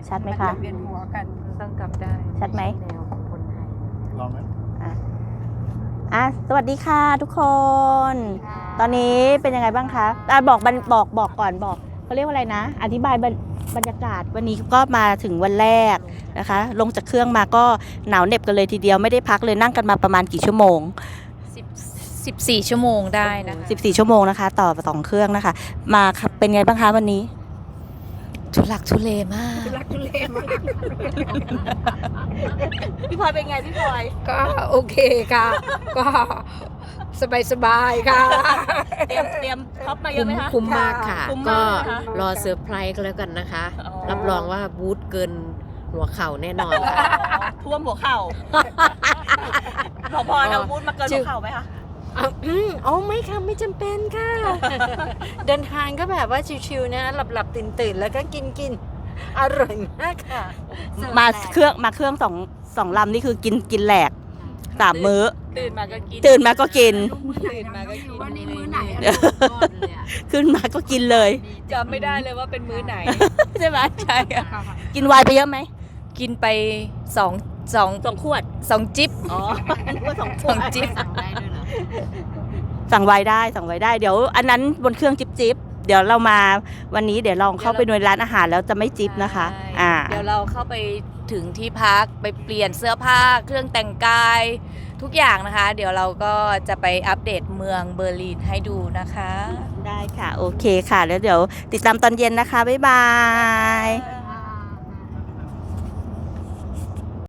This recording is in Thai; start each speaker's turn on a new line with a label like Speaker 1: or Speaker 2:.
Speaker 1: ชัดไหมคะ
Speaker 2: เวียนหัวกันต้องกลับได้
Speaker 1: ชัดไหม
Speaker 2: แนวของคนไทย
Speaker 3: ลองไหม
Speaker 1: สวัสดีค่ะทุกคน ตอนนี้เป็นยังไงบ้างคะบอกก่อนบอกเขาเรียกว่าอะไรนะ อธิบายบรรยากาศวันนี้ก็มาถึงวันแรกนะคะ ลงจากเครื่องมาก็หนาวเหน็บกันเลยทีเดียวไม่ได้พักเลยนั่งกันมาประมาณกี่ชั่วโมง
Speaker 2: 14 ชั่วโมงได้นะคะ
Speaker 1: 14 ชั่วโมงนะคะต่อ2เครื่องนะคะ มาเป็นไงบ้างคะวันนี้
Speaker 2: ทุลักทุเลมาก
Speaker 1: พี่พลอยเป็นไงพี่พลอย
Speaker 2: ก็โอเคค่ะ ก็สบายค่ะ
Speaker 1: เตรียมท็อปมาเยอะไหมคะ
Speaker 4: คุ้มมากค่ะ
Speaker 1: คุ้ม
Speaker 4: ก็
Speaker 1: มากนะคะ
Speaker 4: รอเซอร์ไพรส์ก็แล้วกันนะคะ
Speaker 1: อ๋อ
Speaker 4: รับรองว่าบูธเกินหัวเข่าแน่นอนค่ะ
Speaker 1: ท่วมหัวเข่าพอเราพูดมาเกินหัวเข่าไหมคะ
Speaker 4: เอาไม่ค่ะไม่จำเป็นค่ะ เดินทางก็แบบว่าชิวๆนะหลับตื่นแล้วก็กินอร่อยมากค่ะ
Speaker 1: มาเครื่องสองลำนี่คือกินแหลก3 มื้อ
Speaker 2: ตื่นมาก็กิน
Speaker 1: ตื่นมาก็กิน
Speaker 2: ตื่นมาก็กิน
Speaker 4: วันนี้มื้อไหน
Speaker 1: ขึ้นมาก็กินเลย
Speaker 2: จำไม่ได้เลยว่าเป็นมื้อไหน
Speaker 1: ใช่ไหมใช่อะกินไวน์ไปเยอะไหม
Speaker 2: กินไป2
Speaker 1: ขวด
Speaker 2: จิ๊บ
Speaker 1: อ๋อสอง
Speaker 2: 2 จิ๊บ
Speaker 1: สั่งไวน์ได้เดี๋ยวอันนั้นบนเครื่องจิบเดี๋ยวเรามาวันนี้เดี๋ยวลองเข้าไปในร้านอาหารแล้วจะไม่จิบนะคะ
Speaker 2: เดี๋ยวเราเข้าไปถึงที่พักไปเปลี่ยนเสื้อผ้าเครื่องแต่งกายทุกอย่างนะคะ เดี๋ยวเราก็จะไปอัปเดตเมืองเบอร์ลินให้ดูนะคะ
Speaker 1: ได้ค่ะโอเคค่ะแล้วเดี๋ยวติดตามตอนเย็นนะคะบ๊ายบาย